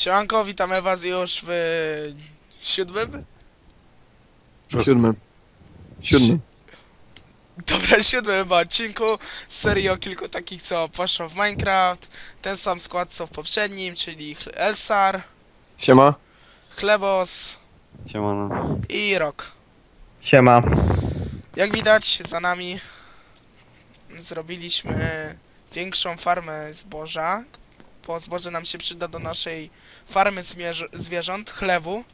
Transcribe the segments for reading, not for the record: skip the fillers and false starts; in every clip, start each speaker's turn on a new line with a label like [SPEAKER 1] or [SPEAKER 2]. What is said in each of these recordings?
[SPEAKER 1] Siemanko, witamy was już w siódmym?
[SPEAKER 2] Siódmym.
[SPEAKER 1] Dobra, siódmym chyba odcinku z serii o kilku takich, co poszło w Minecraft. Ten sam skład co w poprzednim, czyli Elsar,
[SPEAKER 2] Siema.
[SPEAKER 1] Chlebos
[SPEAKER 3] Siemano.
[SPEAKER 1] i Rok.
[SPEAKER 4] Siema.
[SPEAKER 1] Jak widać, za nami zrobiliśmy większą farmę zboża, bo zboże nam się przyda do naszej farmy zwierząt, chlewu.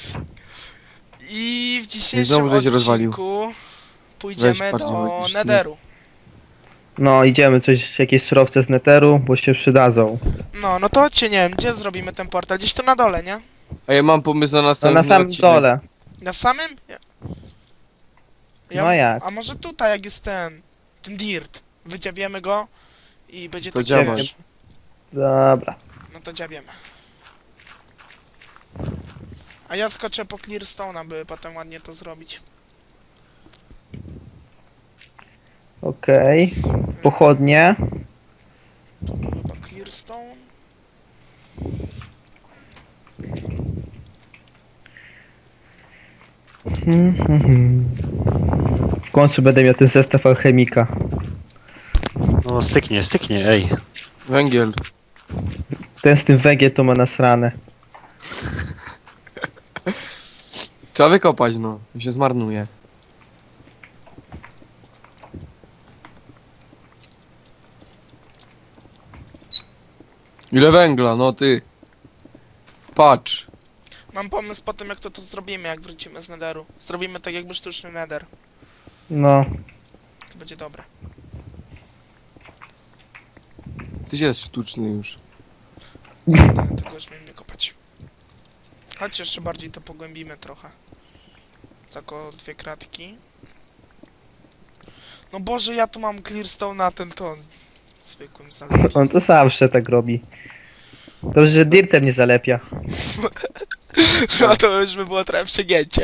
[SPEAKER 1] I w dzisiejszym
[SPEAKER 2] znowu żeś rozwalił.
[SPEAKER 1] odcinku pójdziemy
[SPEAKER 2] Weź bardziej
[SPEAKER 1] do
[SPEAKER 2] magicznie.
[SPEAKER 1] Netheru.
[SPEAKER 4] No idziemy jakieś surowce z netheru, bo się przydadzą.
[SPEAKER 1] No to chodźcie, nie wiem, gdzie zrobimy ten portal? Gdzieś tu na dole, nie?
[SPEAKER 2] A ja mam pomysł na
[SPEAKER 4] No
[SPEAKER 2] następny
[SPEAKER 4] na samym
[SPEAKER 2] odcinek.
[SPEAKER 4] dole.
[SPEAKER 1] Na samym?
[SPEAKER 4] No jak?
[SPEAKER 1] A może tutaj, jak jest ten dirt. Wydziabiemy go i będzie
[SPEAKER 2] To
[SPEAKER 1] taki
[SPEAKER 2] działaj.
[SPEAKER 1] wiesz.
[SPEAKER 4] Dobra.
[SPEAKER 1] No to dziabiemy. A ja skoczę po clearstone, aby potem ładnie to zrobić.
[SPEAKER 4] Okej. Pochodnie.
[SPEAKER 1] Chyba clearstone.
[SPEAKER 4] W końcu będę miał ten zestaw alchemika.
[SPEAKER 3] No styknie, ej.
[SPEAKER 2] Węgiel.
[SPEAKER 4] Ten z tym węgiel to ma nasrane.
[SPEAKER 2] Trzeba wykopać, no. Się zmarnuje. Ile węgla, no ty. Patrz.
[SPEAKER 1] Mam pomysł po tym, jak to zrobimy, jak wrócimy z netheru. Zrobimy tak jakby sztuczny nether.
[SPEAKER 4] No.
[SPEAKER 1] To będzie dobre.
[SPEAKER 2] Ty jest sztuczny już.
[SPEAKER 1] Tego już miejmy kopać. Chodź jeszcze bardziej to pogłębimy trochę. Tak o 2 kratki. No Boże, ja tu mam clearstone na ten ton. Zwykłym zalepić.
[SPEAKER 4] On to zawsze tak robi. Dobrze, że dirtem nie zalepia.
[SPEAKER 1] No to już by było trochę przegięcie.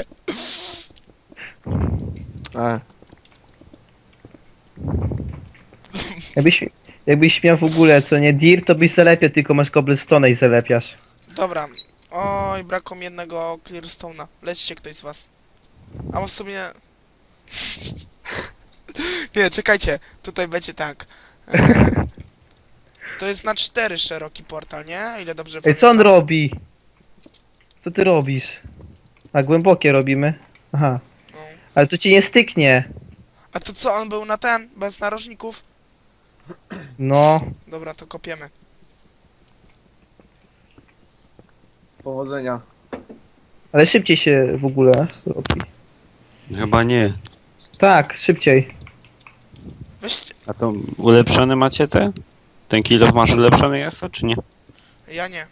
[SPEAKER 4] Jakbyś miał w ogóle co nie dirt, to byś zalepiał, tylko masz cobblestone i zalepiasz.
[SPEAKER 1] Dobra. Oj, brakło mi jednego clearstone'a. Lećcie ktoś z was. A bo w sumie... Nie, czekajcie. Tutaj będzie tak. To jest na 4 szeroki portal, nie? Ile dobrze
[SPEAKER 4] Ej, co on
[SPEAKER 1] pamiętam?
[SPEAKER 4] robi? Co ty robisz? A głębokie robimy? Aha.
[SPEAKER 1] No.
[SPEAKER 4] Ale to ci nie styknie.
[SPEAKER 1] A to co, on był na ten? Bez narożników?
[SPEAKER 4] No.
[SPEAKER 1] Dobra, to kopiemy.
[SPEAKER 2] Powodzenia.
[SPEAKER 4] Ale szybciej się w ogóle robi.
[SPEAKER 3] Chyba nie.
[SPEAKER 4] Tak, szybciej.
[SPEAKER 1] Weźcie...
[SPEAKER 3] A to ulepszone macie te? Ten kilof masz ulepszony jest, czy nie?
[SPEAKER 1] Ja nie.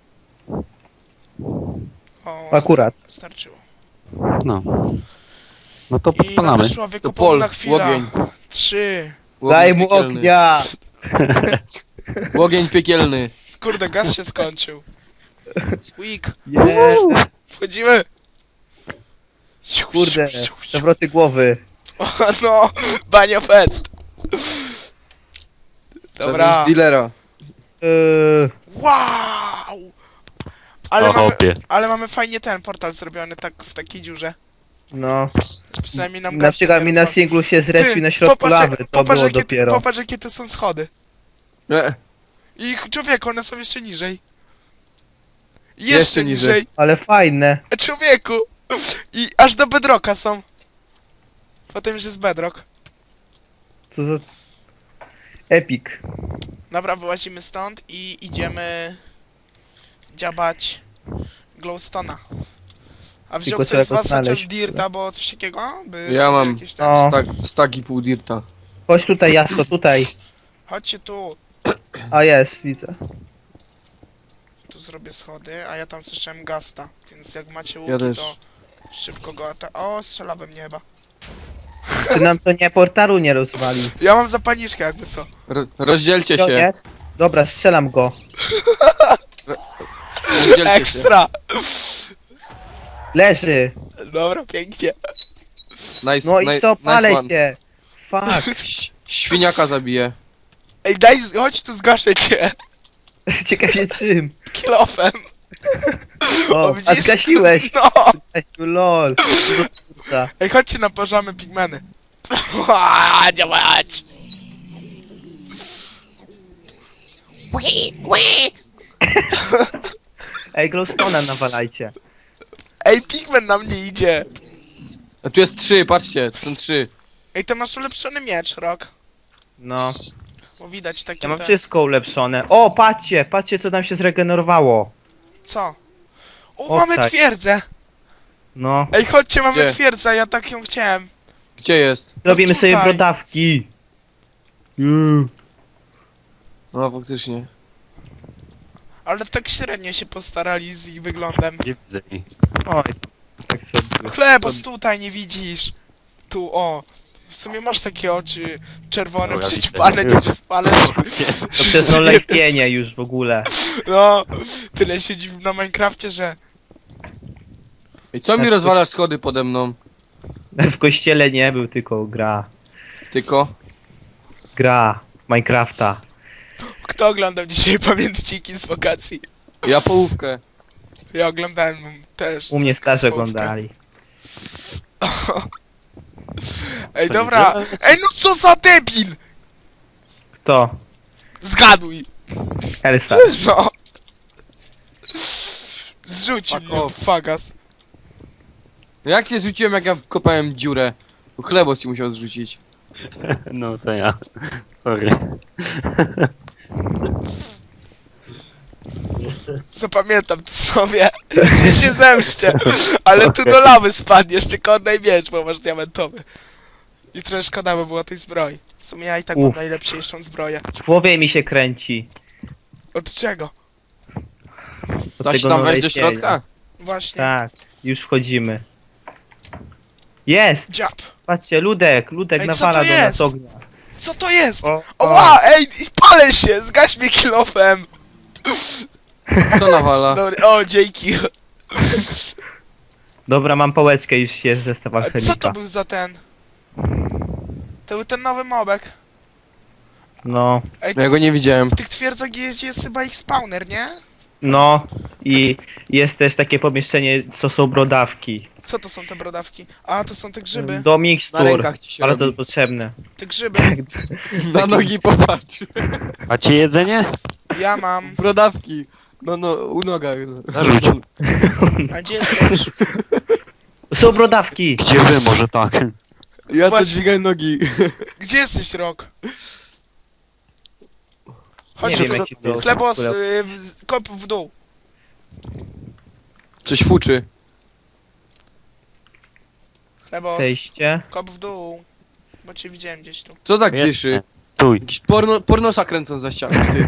[SPEAKER 1] O,
[SPEAKER 4] Akurat.
[SPEAKER 1] starczyło.
[SPEAKER 3] No. No to
[SPEAKER 1] I
[SPEAKER 3] podpalamy.
[SPEAKER 1] nadeszła
[SPEAKER 2] To
[SPEAKER 1] wykopalna
[SPEAKER 2] pol,
[SPEAKER 1] chwila.
[SPEAKER 2] łogień.
[SPEAKER 1] 3.
[SPEAKER 4] Daj mu
[SPEAKER 2] piekielny.
[SPEAKER 4] ognia!
[SPEAKER 2] Łogień piekielny.
[SPEAKER 1] Kurde, gaz się skończył. Weak.
[SPEAKER 4] Nie,
[SPEAKER 1] Wchodzimy.
[SPEAKER 4] kurde, zawroty głowy.
[SPEAKER 1] O, no, banio fest. Dobra.
[SPEAKER 2] Z dealera.
[SPEAKER 1] Wow!
[SPEAKER 3] O hopie.
[SPEAKER 1] Ale mamy fajnie ten portal zrobiony tak w takiej dziurze.
[SPEAKER 4] No,
[SPEAKER 1] Przynajmniej nam
[SPEAKER 4] na
[SPEAKER 1] gaz
[SPEAKER 4] przykład
[SPEAKER 1] nie
[SPEAKER 4] mi na
[SPEAKER 1] rozwali.
[SPEAKER 4] singlu się zrespił
[SPEAKER 1] Ty,
[SPEAKER 4] na środku lawy, to było dopiero.
[SPEAKER 1] Popatrz jakie tu są schody.
[SPEAKER 2] Nie.
[SPEAKER 1] I człowieku, one są jeszcze niżej.
[SPEAKER 2] Jeszcze niżej.
[SPEAKER 4] Ale fajne.
[SPEAKER 1] Człowieku! I aż do bedrocka są. Potem już jest bedrock.
[SPEAKER 4] Co za... Epic.
[SPEAKER 1] Dobra, wyłazimy stąd i idziemy dziabać glowstona. A wziął
[SPEAKER 4] Tylko
[SPEAKER 1] ktoś z
[SPEAKER 4] trzeba go
[SPEAKER 1] was chociaż
[SPEAKER 4] znaleźć.
[SPEAKER 1] dirta, bo coś takiego? By
[SPEAKER 2] Ja
[SPEAKER 1] sobie
[SPEAKER 2] mam.
[SPEAKER 1] jakieś tam...
[SPEAKER 4] O.
[SPEAKER 2] Stag i pół dirta.
[SPEAKER 4] Chodź tutaj, Jasko, tutaj.
[SPEAKER 1] Chodźcie tu.
[SPEAKER 4] A jest, widzę.
[SPEAKER 1] Tu zrobię schody, a ja tam słyszałem gasta. Więc jak macie łuki,
[SPEAKER 2] Ja też.
[SPEAKER 1] to szybko go O, strzela we mnie chyba.
[SPEAKER 4] Czy nam to nie portalu nie rozwali?
[SPEAKER 1] Ja mam zapalniczkę jakby co.
[SPEAKER 2] Rozdzielcie
[SPEAKER 4] To
[SPEAKER 2] się.
[SPEAKER 4] jest? Dobra, strzelam go.
[SPEAKER 2] Rozdzielcie się.
[SPEAKER 1] Ekstra!
[SPEAKER 4] Leży.
[SPEAKER 1] Dobra, pięknie.
[SPEAKER 2] Nice,
[SPEAKER 4] No i co, palę
[SPEAKER 2] nice one.
[SPEAKER 4] się. Fuck.
[SPEAKER 2] Świniaka zabije.
[SPEAKER 1] Ej, chodź tu, zgaszę cię.
[SPEAKER 4] Ciekawie czym.
[SPEAKER 1] Kilofem.
[SPEAKER 4] O, a
[SPEAKER 1] widzisz?
[SPEAKER 4] zgasiłeś!
[SPEAKER 1] No!
[SPEAKER 4] Zgasił, lol! Kurwa.
[SPEAKER 1] Ej, chodźcie naparzamy pigmeny. Działać!
[SPEAKER 4] Ej, glowstone'a nawalajcie.
[SPEAKER 1] Ej, pigmen na mnie idzie!
[SPEAKER 2] A tu jest 3, patrzcie, tu są 3.
[SPEAKER 1] Ej, to masz ulepszony miecz, Rok.
[SPEAKER 4] No,
[SPEAKER 1] Bo widać takie
[SPEAKER 4] ja mam
[SPEAKER 1] te...
[SPEAKER 4] wszystko ulepszone. O, patrzcie, patrzcie co nam się zregenerowało.
[SPEAKER 1] Co? O,
[SPEAKER 4] O,
[SPEAKER 1] mamy
[SPEAKER 4] tak.
[SPEAKER 1] twierdzę!
[SPEAKER 4] No,
[SPEAKER 1] Ej, chodźcie, mamy
[SPEAKER 2] Gdzie?
[SPEAKER 1] twierdzę, ja tak ją chciałem.
[SPEAKER 2] Gdzie jest?
[SPEAKER 4] zrobimy sobie
[SPEAKER 1] tutaj.
[SPEAKER 4] brodawki.
[SPEAKER 2] No faktycznie.
[SPEAKER 1] Ale tak średnio się postarali z ich wyglądem.
[SPEAKER 3] Nie widzę ich.
[SPEAKER 4] Oj, tak sobie.
[SPEAKER 1] Chlebos, tutaj nie widzisz. Tu, o. W sumie masz takie oczy czerwone,
[SPEAKER 3] Dobra,
[SPEAKER 1] przyćpane,
[SPEAKER 3] widzę.
[SPEAKER 1] nie spalesz.
[SPEAKER 4] To przez to lepienie już w ogóle.
[SPEAKER 1] No, tyle siedzi na Minecrafcie, że...
[SPEAKER 2] Ej, co mi rozwalasz schody pode mną?
[SPEAKER 4] W kościele nie był, tylko gra.
[SPEAKER 2] Tylko?
[SPEAKER 4] Gra Minecrafta.
[SPEAKER 1] Kto oglądał dzisiaj pamiętniki z wakacji?
[SPEAKER 2] Ja połówkę.
[SPEAKER 1] Ja oglądałem też.
[SPEAKER 4] U mnie starzy
[SPEAKER 1] słówkę.
[SPEAKER 4] oglądali.
[SPEAKER 1] Ej,
[SPEAKER 3] To
[SPEAKER 1] dobra.
[SPEAKER 3] nie
[SPEAKER 1] Ej, no co za debil!
[SPEAKER 4] Kto?
[SPEAKER 1] Zgaduj!
[SPEAKER 4] Elsa.
[SPEAKER 1] No. Zrzucił
[SPEAKER 2] Fuck
[SPEAKER 1] mnie
[SPEAKER 2] off.
[SPEAKER 1] w fagas.
[SPEAKER 2] No jak cię zrzuciłem, jak ja kopałem dziurę? Bo chlebos ci musiał zrzucić.
[SPEAKER 3] No to ja. Sorry.
[SPEAKER 1] Zapamiętam to sobie. Że się zemszczę. Ale tu do lawy spadniesz, tylko oddaj miecz, bo masz diamentowy. I trochę szkoda by było tej zbroi. W sumie ja i tak mam
[SPEAKER 4] Uff.
[SPEAKER 1] najlepszą zbroję.
[SPEAKER 4] W głowie mi się kręci.
[SPEAKER 1] Od czego?
[SPEAKER 4] Od
[SPEAKER 2] Da się
[SPEAKER 4] tego
[SPEAKER 2] tam wejść do
[SPEAKER 4] nalecienia.
[SPEAKER 2] środka?
[SPEAKER 1] Właśnie.
[SPEAKER 4] Tak, już wchodzimy. Jest!
[SPEAKER 1] Dziab.
[SPEAKER 4] Patrzcie, Ludek
[SPEAKER 1] Ej, co
[SPEAKER 4] nawala
[SPEAKER 1] to
[SPEAKER 4] do nas
[SPEAKER 1] jest?
[SPEAKER 4] ognia.
[SPEAKER 1] Co to jest?
[SPEAKER 4] O,
[SPEAKER 1] Oła, ej, i palę się! Zgaś mnie kilofem!
[SPEAKER 2] Kto nawala?
[SPEAKER 1] Dobry, o, dzięki.
[SPEAKER 4] Dobra, mam pałeczkę, już jest zestaw
[SPEAKER 1] A co to
[SPEAKER 4] alchemika.
[SPEAKER 1] był za ten? To był ten nowy mobek.
[SPEAKER 4] No,
[SPEAKER 2] Ja go nie widziałem.
[SPEAKER 1] W tych twierdzach jest chyba ich spawner, nie?
[SPEAKER 4] no i jest też takie pomieszczenie, co są brodawki.
[SPEAKER 1] Co to są te brodawki? A, to są te grzyby.
[SPEAKER 4] Do
[SPEAKER 2] Na
[SPEAKER 4] mikstur,
[SPEAKER 2] rękach ci się
[SPEAKER 4] ale to
[SPEAKER 2] robi.
[SPEAKER 4] potrzebne.
[SPEAKER 1] Te grzyby.
[SPEAKER 2] Na nogi popatrz.
[SPEAKER 3] Macie jedzenie?
[SPEAKER 1] Ja mam.
[SPEAKER 2] Brodawki. No, u nogach. No.
[SPEAKER 3] Zarzuć.
[SPEAKER 1] A gdzie jesteś?
[SPEAKER 4] Są brodawki!
[SPEAKER 3] Gdzie wy? Może tak.
[SPEAKER 2] Ja to
[SPEAKER 1] Właśnie.
[SPEAKER 2] dźwigam nogi.
[SPEAKER 1] Gdzie jesteś, Rok? Chodź,
[SPEAKER 4] Nie wiem jaki to
[SPEAKER 1] Chlebos, kop w dół.
[SPEAKER 2] Coś fuczy.
[SPEAKER 1] Chlebos,
[SPEAKER 4] przejście.
[SPEAKER 1] kop w dół. Bo cię widziałem gdzieś tu.
[SPEAKER 2] Co tak
[SPEAKER 3] Jest.
[SPEAKER 2] dyszy?
[SPEAKER 3] Stój.
[SPEAKER 2] Jakiś pornosa kręcą za ścianą, ty.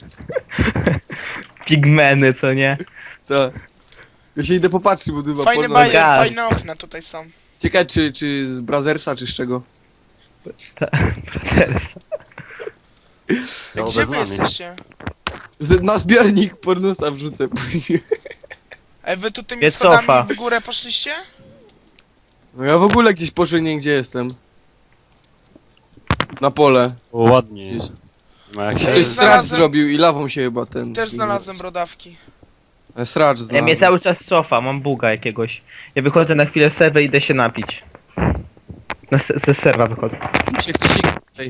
[SPEAKER 4] Pigmeny, co nie?
[SPEAKER 2] Tak. Ja się idę popatrzeć, bo chyba
[SPEAKER 1] Fajne
[SPEAKER 2] porno...
[SPEAKER 1] bajer,
[SPEAKER 4] Gaz.
[SPEAKER 1] fajne okna tutaj są.
[SPEAKER 2] Ciekawe, czy z Brazersa, czy z czego?
[SPEAKER 3] No,
[SPEAKER 1] Gdzie wy
[SPEAKER 3] bez mamy.
[SPEAKER 1] jesteście?
[SPEAKER 2] Na zbiornik pornosa wrzucę później.
[SPEAKER 1] Ej, wy tu tymi
[SPEAKER 4] Nie
[SPEAKER 1] schodami
[SPEAKER 4] cofa.
[SPEAKER 1] w górę poszliście?
[SPEAKER 2] No ja w ogóle gdzieś poszedłem, nie wiem, gdzie jestem. Na pole.
[SPEAKER 3] O, ładnie.
[SPEAKER 2] Gdzieś.
[SPEAKER 3] Ma jak
[SPEAKER 1] Ej,
[SPEAKER 3] się...
[SPEAKER 2] Ktoś sracz
[SPEAKER 1] znalazłem-
[SPEAKER 2] zrobił i lawą się chyba ten...
[SPEAKER 1] Też znalazłem brodawki.
[SPEAKER 2] Sracz
[SPEAKER 4] Ja mnie
[SPEAKER 2] znalazłem.
[SPEAKER 4] cały czas cofa, mam buga jakiegoś. Ja wychodzę na chwilę z serwer i idę się napić. Ze serwa wychodzę.
[SPEAKER 2] Się chce sikać.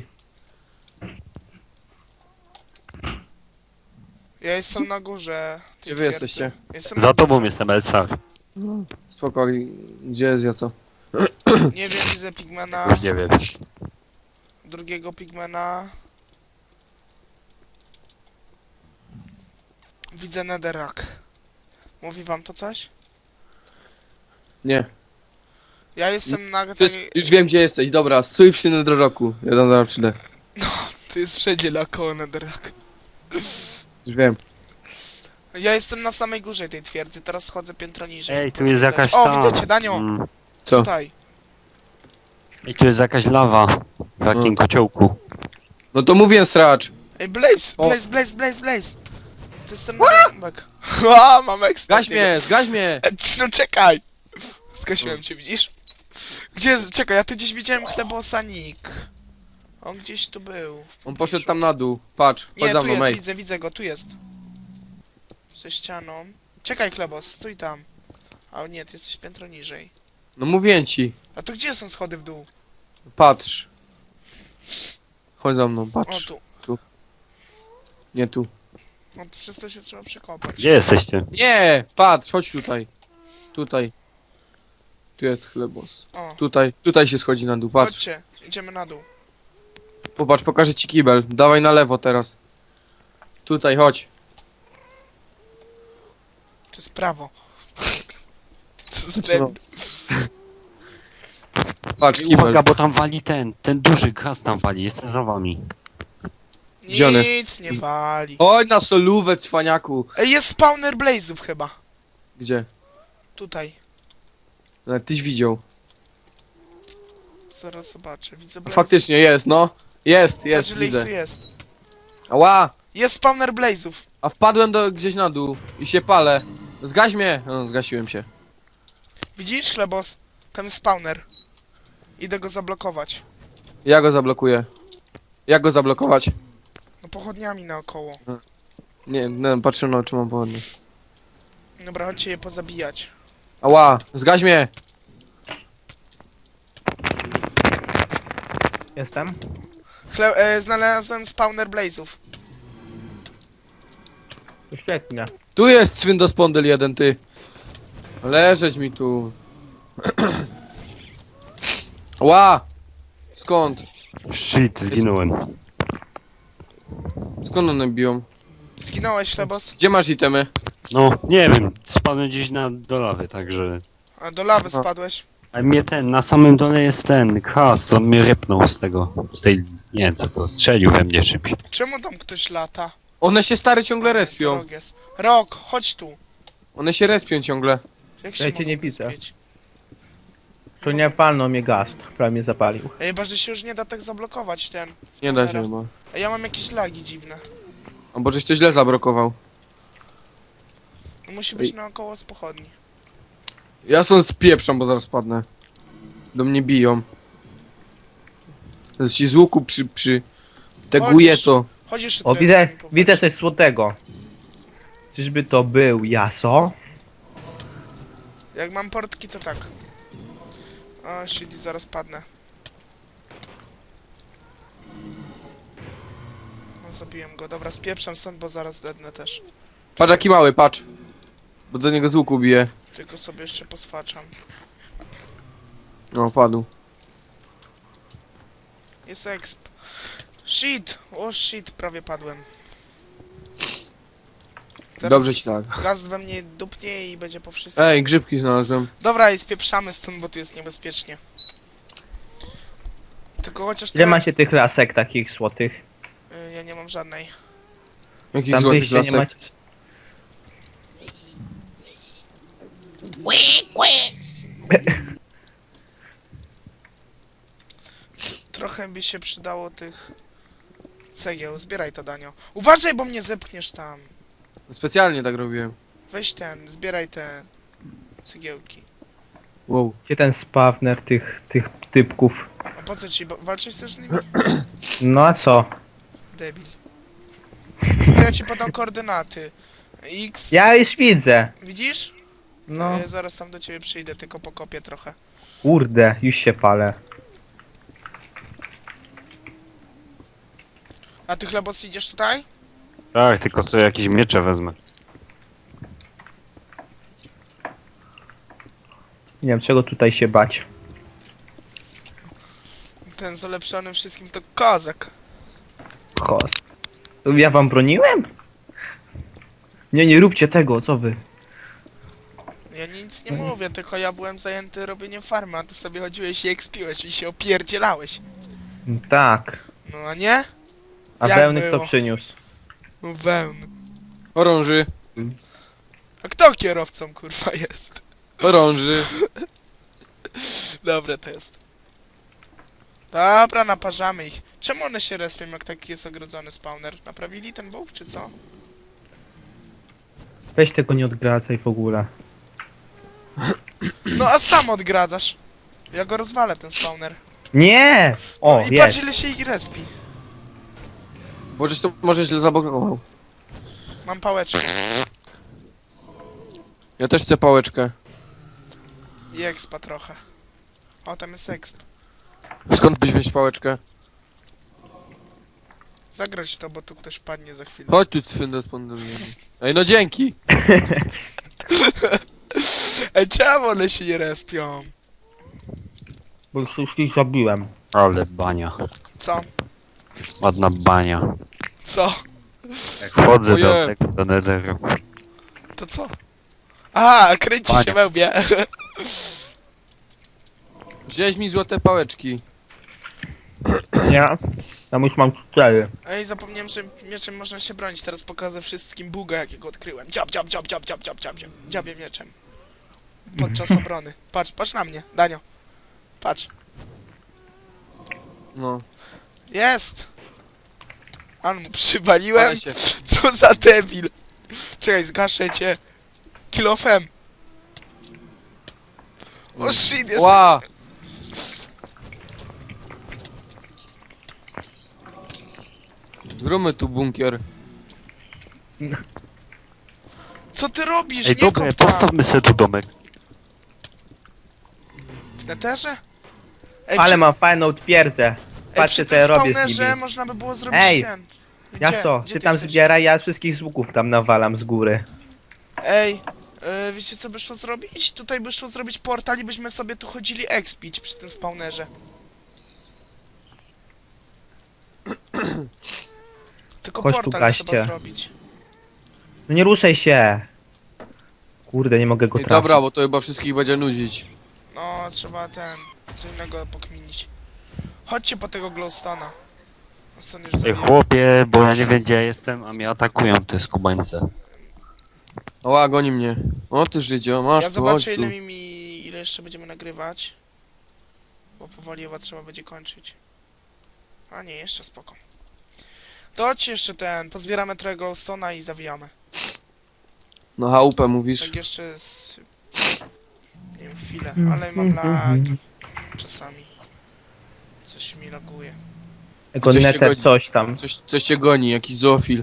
[SPEAKER 1] Ja jestem na górze.
[SPEAKER 2] Gdzie wy jesteście?
[SPEAKER 1] Jestem
[SPEAKER 3] Za tobą jestem Elcar.
[SPEAKER 2] Spoko, gdzie jest ja co?
[SPEAKER 1] Nie wiem, widzę pigmena.
[SPEAKER 3] Już nie wiem.
[SPEAKER 1] Drugiego pigmena. Widzę netherrack. Mówi wam to coś?
[SPEAKER 2] Nie.
[SPEAKER 1] Ja jestem na
[SPEAKER 2] Już wiem, gdzie jesteś, dobra, stój przy Nedroroku. Ja tam zaraz przyjdę.
[SPEAKER 1] To jest wszędzie naokoło netherrack.
[SPEAKER 2] Już wiem.
[SPEAKER 1] Ja jestem na samej górze tej twierdzy, teraz schodzę piętro niżej.
[SPEAKER 3] Ej, tu jest jakaś
[SPEAKER 1] O,
[SPEAKER 3] ta...
[SPEAKER 1] widzę cię, Danio!
[SPEAKER 2] Co?
[SPEAKER 1] Tutaj.
[SPEAKER 3] I tu jest jakaś lawa. W takim
[SPEAKER 2] No.
[SPEAKER 3] kociołku.
[SPEAKER 2] No to mówię sracz.
[SPEAKER 1] Ej, Blaze!
[SPEAKER 2] O.
[SPEAKER 1] Blaze! To jest ten bombek. A, mam ekspert.
[SPEAKER 2] Zgaś mnie!
[SPEAKER 1] No czekaj! Skasiłem cię, widzisz? Gdzie jest? Czekaj, ja tu gdzieś widziałem chlebosanik. On gdzieś tu był.
[SPEAKER 2] On poszedł tam na dół. Patrz, chodź
[SPEAKER 1] Nie,
[SPEAKER 2] za
[SPEAKER 1] tu
[SPEAKER 2] mną,
[SPEAKER 1] jest,
[SPEAKER 2] ej.
[SPEAKER 1] widzę go, tu jest. Ze ścianą. Czekaj, Klebos, stój tam. A nie, ty jesteś piętro niżej.
[SPEAKER 2] No mówię ci.
[SPEAKER 1] A to gdzie są schody w dół?
[SPEAKER 2] Patrz. Chodź za mną,
[SPEAKER 1] O,
[SPEAKER 2] patrz.
[SPEAKER 1] tu.
[SPEAKER 2] Nie tu.
[SPEAKER 1] No to przez to się trzeba przekopać.
[SPEAKER 3] Gdzie jesteście?
[SPEAKER 2] Nie! Patrz, chodź tutaj. Tutaj. Tu jest chlebos.
[SPEAKER 1] O,
[SPEAKER 2] Tutaj się schodzi na dół, patrz.
[SPEAKER 1] chodźcie, idziemy na dół.
[SPEAKER 2] Popatrz, pokażę ci kibel. Dawaj na lewo teraz. Tutaj, chodź.
[SPEAKER 1] To jest prawo. Co za
[SPEAKER 2] Co?
[SPEAKER 1] debil.
[SPEAKER 2] Patrz, kibel.
[SPEAKER 3] Uwaga, bo tam wali ten duży gaz tam wali, jestem za wami.
[SPEAKER 2] Gdzie on jest?
[SPEAKER 1] Nic nie wali.
[SPEAKER 2] Oj, na solówę, cwaniaku.
[SPEAKER 1] Ej, jest spawner blazów chyba.
[SPEAKER 2] Gdzie?
[SPEAKER 1] Tutaj.
[SPEAKER 2] Nawet tyś widział.
[SPEAKER 1] Zaraz zobaczę. Widzę blaze.
[SPEAKER 2] Faktycznie jest, no. Jest,
[SPEAKER 1] Patrz, ile ich tu
[SPEAKER 2] widzę.
[SPEAKER 1] jest.
[SPEAKER 2] Ała!
[SPEAKER 1] Jest spawner blazów.
[SPEAKER 2] A wpadłem gdzieś na dół i się palę. Zgaś mnie! No, zgasiłem się.
[SPEAKER 1] Widzisz, Chlebos? Tam jest spawner. Idę go zablokować.
[SPEAKER 2] Ja go zablokuję. Jak go zablokować?
[SPEAKER 1] No pochodniami naokoło.
[SPEAKER 2] Nie, patrzę na oczy, mam pochodnie.
[SPEAKER 1] Dobra, chodźcie je pozabijać.
[SPEAKER 2] Ała! Zgaś mnie!
[SPEAKER 4] Jestem.
[SPEAKER 1] Znalazłem spawner blazów.
[SPEAKER 4] To świetnie.
[SPEAKER 2] Tu jest swindospondyl jeden, ty. Leżeć mi tu. Ła! Skąd?
[SPEAKER 3] Shit, zginąłem.
[SPEAKER 2] Skąd one biją?
[SPEAKER 1] Zginąłeś, Chlebos?
[SPEAKER 2] Gdzie masz itemy?
[SPEAKER 3] No, nie wiem, spadłem gdzieś do lawy, także...
[SPEAKER 1] A do lawy
[SPEAKER 2] Aha.
[SPEAKER 1] spadłeś.
[SPEAKER 3] A mnie na samym dole jest ten gaz, to mnie rypnął z tej... Nie wiem co to, strzelił we mnie czymś.
[SPEAKER 1] Czemu tam ktoś lata?
[SPEAKER 2] One się stary ciągle respią.
[SPEAKER 1] Rok jest. Rok, chodź tu.
[SPEAKER 2] One się respią ciągle.
[SPEAKER 1] Jak
[SPEAKER 4] Ja cię
[SPEAKER 1] mogą
[SPEAKER 4] nie widzę.
[SPEAKER 1] rozbić?
[SPEAKER 4] To nie walnął mnie gaz, prawie mnie zapalił.
[SPEAKER 1] Ej, chyba, że się już nie da tak zablokować ten.
[SPEAKER 2] Nie da się
[SPEAKER 1] spawnera.
[SPEAKER 2] chyba.
[SPEAKER 1] Ej, ja mam jakieś lagi dziwne.
[SPEAKER 2] A bo żeś to źle zablokował.
[SPEAKER 1] No, musi być
[SPEAKER 2] Ej.
[SPEAKER 1] naokoło z pochodni.
[SPEAKER 2] Ja są spieprzam, bo zaraz padnę. Do mnie biją. Zaraz ci z łuku teguję
[SPEAKER 1] Chodź.
[SPEAKER 2] to.
[SPEAKER 1] Chodź jeszcze
[SPEAKER 4] O,
[SPEAKER 1] trochę
[SPEAKER 4] widzę,
[SPEAKER 1] z nimi popatrz.
[SPEAKER 4] widzę coś złotego. Czyżby to był jaso?
[SPEAKER 1] Jak mam portki, to tak. O, shit, i zaraz padnę. No, zabiłem go. Dobra, spieprzam stąd, bo zaraz dednę też.
[SPEAKER 2] Patrz jaki mały, patrz. Bo do niego z łuku bije.
[SPEAKER 1] Tylko sobie jeszcze poswaczam.
[SPEAKER 2] O, padł.
[SPEAKER 1] Jest exp. Shit! O shit, prawie padłem. Teraz
[SPEAKER 2] Dobrze ci tak.
[SPEAKER 1] Gaz we mnie dupnie i będzie po wszystkim.
[SPEAKER 2] Ej, grzybki znalazłem.
[SPEAKER 1] Dobra, i spieprzamy stąd, bo tu jest niebezpiecznie. Tylko chociaż
[SPEAKER 4] Ile
[SPEAKER 1] trochę-
[SPEAKER 4] macie tych lasek takich złotych?
[SPEAKER 1] Ja nie mam żadnej.
[SPEAKER 2] Jakich
[SPEAKER 4] Tam
[SPEAKER 2] złotych
[SPEAKER 4] wyjścia nie
[SPEAKER 2] lasek.
[SPEAKER 4] macie.
[SPEAKER 1] Trochę by się przydało tych cegieł. Zbieraj to, Danio. Uważaj, bo mnie zepchniesz tam.
[SPEAKER 2] Specjalnie tak robiłem.
[SPEAKER 1] Weź ten, zbieraj te cegiełki.
[SPEAKER 2] Wow.
[SPEAKER 4] Gdzie ten spawner tych typków?
[SPEAKER 1] A po co ci, walczyć chcesz z nimi?
[SPEAKER 4] No a co?
[SPEAKER 1] Debil. To ja ci podam koordynaty. X.
[SPEAKER 4] Ja już widzę.
[SPEAKER 1] Widzisz?
[SPEAKER 4] No,
[SPEAKER 1] Zaraz tam do ciebie przyjdę, tylko pokopię trochę.
[SPEAKER 4] kurde, już się palę.
[SPEAKER 1] A ty, Chlebos, idziesz tutaj?
[SPEAKER 3] Tak, tylko sobie jakieś miecze wezmę.
[SPEAKER 4] Nie wiem czego tutaj się bać.
[SPEAKER 1] Ten z ulepszonym wszystkim to kozak.
[SPEAKER 4] Kos. Ja wam broniłem? Nie róbcie tego, co wy?
[SPEAKER 1] Ja nic nie mówię, tylko ja byłem zajęty robieniem farmy, a ty sobie chodziłeś i ekspiłeś i się opierdzielałeś.
[SPEAKER 4] Tak.
[SPEAKER 1] No a nie?
[SPEAKER 4] A
[SPEAKER 1] Jak
[SPEAKER 4] wełny
[SPEAKER 1] było?
[SPEAKER 4] kto przyniósł?
[SPEAKER 1] No wełny.
[SPEAKER 2] Orąży.
[SPEAKER 1] A kto kierowcą, kurwa, jest?
[SPEAKER 2] Orąży.
[SPEAKER 1] Dobre to jest. Dobra, naparzamy ich. Czemu one się respią, jak taki jest ogrodzony spawner? Naprawili ten bóg, czy co?
[SPEAKER 4] Weź tego nie odgradzaj w ogóle.
[SPEAKER 1] No a sam odgradzasz. Ja go rozwalę, ten spawner.
[SPEAKER 4] Nie! O,
[SPEAKER 1] No i patrz,
[SPEAKER 4] jest.
[SPEAKER 1] ile się ich respi.
[SPEAKER 2] Bo żeś to może źle zablokował.
[SPEAKER 1] Mam pałeczkę.
[SPEAKER 2] Ja też chcę pałeczkę.
[SPEAKER 1] I expa trochę. O, tam jest exp.
[SPEAKER 2] A skąd byś wziąć pałeczkę?
[SPEAKER 1] Zagrać to, bo tu ktoś wpadnie za chwilę.
[SPEAKER 2] Chodź tu, cwynda spondolny. Ej, no dzięki!
[SPEAKER 1] Ej, czemu one się nie respią?
[SPEAKER 4] Bo już wszystkich zabiłem.
[SPEAKER 3] Ale bania.
[SPEAKER 1] Co?
[SPEAKER 3] Ładna bania.
[SPEAKER 1] Co?
[SPEAKER 3] Jak wchodzę
[SPEAKER 2] Ojej.
[SPEAKER 3] do tego, do netheru.
[SPEAKER 1] To co? A, kręci się
[SPEAKER 3] Panie.
[SPEAKER 1] we mnie.
[SPEAKER 2] Wziąłeś mi złote pałeczki.
[SPEAKER 4] Nie? Tam już mam 4.
[SPEAKER 1] Ej, zapomniałem, że mieczem można się bronić. Teraz pokażę wszystkim buga, jakiego odkryłem. Dziab, dziab, dziab, dziab, dziab, dziab, dziab, dziab. Dziabię mieczem. Podczas obrony. Patrz, patrz na mnie, Danio. Patrz.
[SPEAKER 2] No,
[SPEAKER 1] Jest! Ale mu przywaliłem.
[SPEAKER 2] ale się.
[SPEAKER 1] Co za debil. Czekaj, zgaszę cię. Kilofem. O shit, jeszcze...
[SPEAKER 2] Ła! Zróbmy tu bunkier.
[SPEAKER 1] Co ty robisz?
[SPEAKER 3] Ej,
[SPEAKER 1] Nie
[SPEAKER 3] dobra,
[SPEAKER 1] kop tam.
[SPEAKER 3] postawmy sobie tu domek.
[SPEAKER 1] W neterze? Ej,
[SPEAKER 4] Ale
[SPEAKER 1] przy-
[SPEAKER 4] mam fajną twierdzę.
[SPEAKER 1] Ej,
[SPEAKER 4] Patrzcie
[SPEAKER 1] przy
[SPEAKER 4] co ja
[SPEAKER 1] tym
[SPEAKER 4] robię z
[SPEAKER 1] spawnerze
[SPEAKER 4] nimi.
[SPEAKER 1] można by było zrobić
[SPEAKER 4] Ej,
[SPEAKER 1] ten. Gdzie?
[SPEAKER 4] Jaso,
[SPEAKER 1] Gdzie
[SPEAKER 4] ty tam
[SPEAKER 1] jesteś?
[SPEAKER 4] zbieraj, ja wszystkich z łuków tam nawalam z góry.
[SPEAKER 1] Ej, wiecie co by szło zrobić? Tutaj by szło zrobić portal i byśmy sobie tu chodzili expić przy tym spawnerze. Tylko
[SPEAKER 4] Chodź tu,
[SPEAKER 1] portal
[SPEAKER 4] gaście.
[SPEAKER 1] trzeba zrobić.
[SPEAKER 4] No nie ruszaj się. Kurde, nie mogę go
[SPEAKER 2] Ej,
[SPEAKER 4] trafić.
[SPEAKER 2] dobra, bo to chyba wszystkich będzie nudzić.
[SPEAKER 1] No, trzeba co innego pokminić. Chodźcie po tego glowstone'a. Stone już
[SPEAKER 3] Ej,
[SPEAKER 1] zabija.
[SPEAKER 3] chłopie, bo ja nie wiem gdzie ja jestem, a mnie atakują te skubańce.
[SPEAKER 2] Oła, goni mnie. O ty Żydzio, masz
[SPEAKER 1] Ja
[SPEAKER 2] tu, chodź
[SPEAKER 1] zobaczę
[SPEAKER 2] tu.
[SPEAKER 1] ile jeszcze będziemy nagrywać. Bo powoli chyba trzeba będzie kończyć. A nie, jeszcze spoko. To chodźcie jeszcze pozbieramy trochę glowstone'a i zawijamy.
[SPEAKER 2] No chałupę mówisz.
[SPEAKER 1] Tak jeszcze z... Nie wiem, chwilę, ale mam lagi. Czasami. Coś mi laguje.
[SPEAKER 4] Jako
[SPEAKER 2] Coś się
[SPEAKER 4] neter
[SPEAKER 2] godzi.
[SPEAKER 4] coś tam.
[SPEAKER 2] Coś cię goni, jakiś zoofil.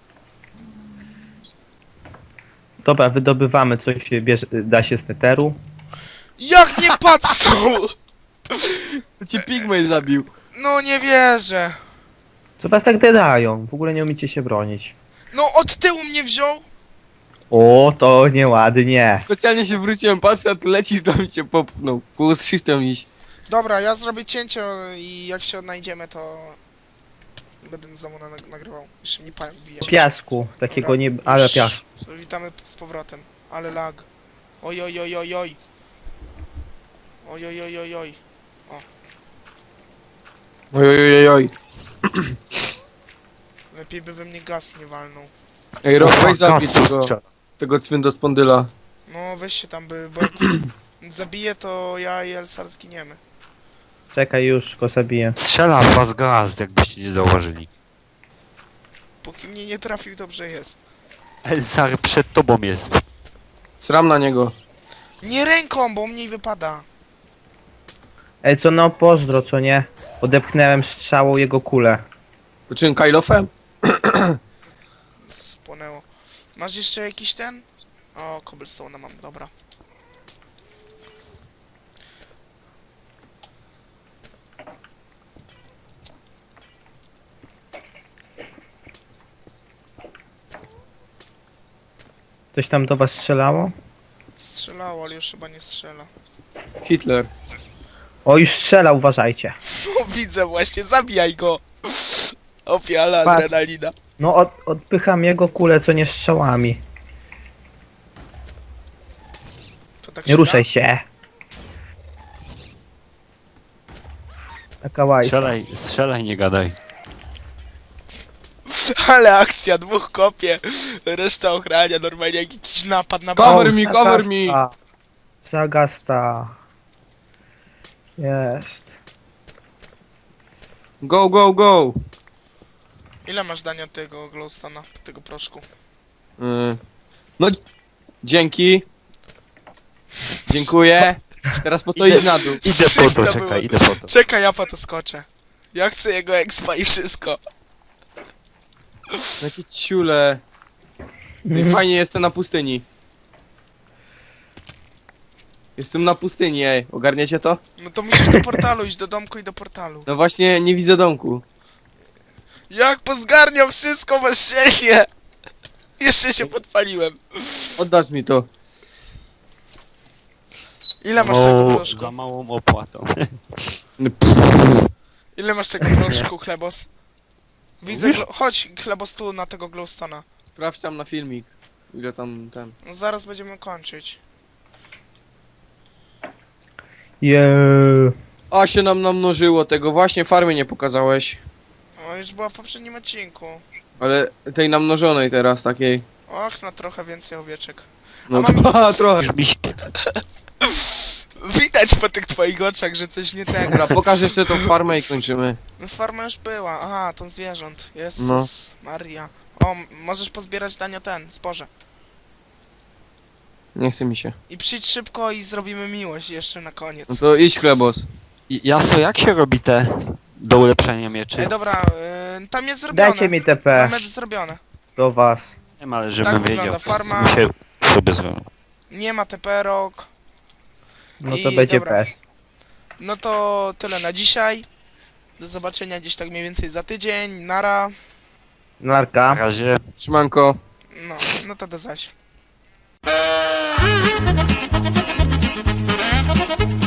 [SPEAKER 4] Dobra, wydobywamy coś, da się z neteru.
[SPEAKER 1] Jak nie patrzył!
[SPEAKER 2] Cię pigmej zabił.
[SPEAKER 1] No nie wierzę.
[SPEAKER 4] Co was tak dedają? W ogóle nie umiecie się bronić.
[SPEAKER 1] No od tyłu mnie wziął.
[SPEAKER 4] O, to nieładnie.
[SPEAKER 2] Specjalnie się wróciłem, patrzę, a ty lecisz, to mi cię popchnął. Pół z shiftem iść.
[SPEAKER 1] Dobra, ja zrobię cięcie i jak się odnajdziemy, to będę znowu nagrywał. Jeszcze mnie pająk bije.
[SPEAKER 4] Piasku, takiego
[SPEAKER 1] Dobra,
[SPEAKER 4] nie... ale
[SPEAKER 1] już
[SPEAKER 4] piasku.
[SPEAKER 1] Witamy z powrotem. Ale lag. Oj, oj, oj, oj, oj. Oj, oj, oj, oj, oj.
[SPEAKER 2] Oj, oj, oj, oj.
[SPEAKER 1] Lepiej by we mnie gaz nie walnął.
[SPEAKER 2] Ej, Rok, weź zabij
[SPEAKER 3] Strzela.
[SPEAKER 2] tego cwyndospondyla.
[SPEAKER 1] No weź się tam, bo jak zabiję, to ja i Elsar zginiemy.
[SPEAKER 4] Czekaj już, go zabiję.
[SPEAKER 3] Strzela w was gaz, jakbyście nie zauważyli.
[SPEAKER 1] Póki mnie nie trafił, dobrze jest.
[SPEAKER 3] Elsar przed tobą jest.
[SPEAKER 2] Sram na niego.
[SPEAKER 1] Nie ręką, bo mniej wypada.
[SPEAKER 4] Ej, co no pozdro, co nie? Odepchnąłem strzałą jego kulę.
[SPEAKER 2] To czym, Kylofem?
[SPEAKER 1] Spłonęło. Masz jeszcze jakiś ten? O, cobblestone mam, dobra.
[SPEAKER 4] Coś tam do was strzelało?
[SPEAKER 1] Strzelało, ale już chyba nie strzela.
[SPEAKER 2] Hitler.
[SPEAKER 4] O, już strzela, uważajcie.
[SPEAKER 1] No widzę właśnie, zabijaj go! Opiala
[SPEAKER 4] Patrz.
[SPEAKER 1] adrenalina.
[SPEAKER 4] No, odpycham jego kulę, co nie strzałami.
[SPEAKER 1] To tak
[SPEAKER 4] Nie
[SPEAKER 1] się
[SPEAKER 4] ruszaj
[SPEAKER 1] da?
[SPEAKER 4] się. Taka łajsa.
[SPEAKER 3] Strzelaj, nie gadaj.
[SPEAKER 1] Ale akcja, dwóch kopie, reszta ochrania, normalnie jak jakiś napad na
[SPEAKER 2] Cover
[SPEAKER 1] bank.
[SPEAKER 2] me, cover me!
[SPEAKER 4] Zagasta. Jest.
[SPEAKER 2] Go, go, go!
[SPEAKER 1] Ile masz dania tego glowstone'a, tego proszku?
[SPEAKER 2] No, dzięki. Dziękuję. Teraz po to idź na dół.
[SPEAKER 3] Idę po
[SPEAKER 1] Szybko
[SPEAKER 3] to,
[SPEAKER 1] było.
[SPEAKER 3] czekaj, idę po to.
[SPEAKER 1] Czekaj, ja po to skoczę. Ja chcę jego expa i wszystko.
[SPEAKER 2] Jakie ciule. Ej, fajnie jestem na pustyni. Jestem na pustyni, ej. Ogarniecie to?
[SPEAKER 1] No to musisz do portalu iść, do domku i do portalu.
[SPEAKER 2] No właśnie, nie widzę domku.
[SPEAKER 1] Jak pozgarniam wszystko bez siebie! Jeszcze się podpaliłem.
[SPEAKER 2] Oddasz mi to.
[SPEAKER 1] Ile masz tego
[SPEAKER 3] Za
[SPEAKER 1] proszku?
[SPEAKER 3] małą opłatą.
[SPEAKER 1] Ile masz tego proszku, Chlebos? Widzę, chodź Chlebos tu na tego glowstona.
[SPEAKER 2] Sprawdź tam na filmik. Ile tam ten...
[SPEAKER 1] No zaraz będziemy kończyć.
[SPEAKER 4] Jeee.
[SPEAKER 2] A się nam namnożyło tego, właśnie farmy nie pokazałeś.
[SPEAKER 1] O, już była w poprzednim odcinku.
[SPEAKER 2] Ale tej namnożonej teraz, takiej.
[SPEAKER 1] Och, na trochę więcej owieczek.
[SPEAKER 2] No
[SPEAKER 1] A mam-
[SPEAKER 2] to trochę.
[SPEAKER 3] Już mi się...
[SPEAKER 1] Widać po tych twoich oczach, że coś nie tego.
[SPEAKER 2] Dobra, pokaż jeszcze tą farmę i kończymy.
[SPEAKER 1] No farma już była. Aha, to zwierząt. Jezus
[SPEAKER 2] No.
[SPEAKER 1] Maria. O, możesz pozbierać Danio ten, zboże.
[SPEAKER 2] Nie chce mi się.
[SPEAKER 1] I przyjdź szybko i zrobimy miłość jeszcze na koniec.
[SPEAKER 2] No to idź Chlebos.
[SPEAKER 3] Jaso, jak się robi te do ulepszenia mieczy?
[SPEAKER 1] Ej, dobra, tam jest zrobione.
[SPEAKER 4] Dajcie mi TP
[SPEAKER 1] Mamy zrobione.
[SPEAKER 4] do was.
[SPEAKER 3] Nie wiem, ale
[SPEAKER 1] Tak
[SPEAKER 3] żebym
[SPEAKER 1] wygląda
[SPEAKER 3] wiedział.
[SPEAKER 1] farma.
[SPEAKER 3] Mi się sobie zrobił.
[SPEAKER 1] Nie ma teperok.
[SPEAKER 4] No
[SPEAKER 1] I
[SPEAKER 4] to będzie
[SPEAKER 1] dobra.
[SPEAKER 4] PS.
[SPEAKER 1] No to tyle na dzisiaj. Do zobaczenia gdzieś tak mniej więcej za tydzień. Nara.
[SPEAKER 3] Na
[SPEAKER 4] Narka.
[SPEAKER 3] razie.
[SPEAKER 2] Trzymanko.
[SPEAKER 1] No to do zaś.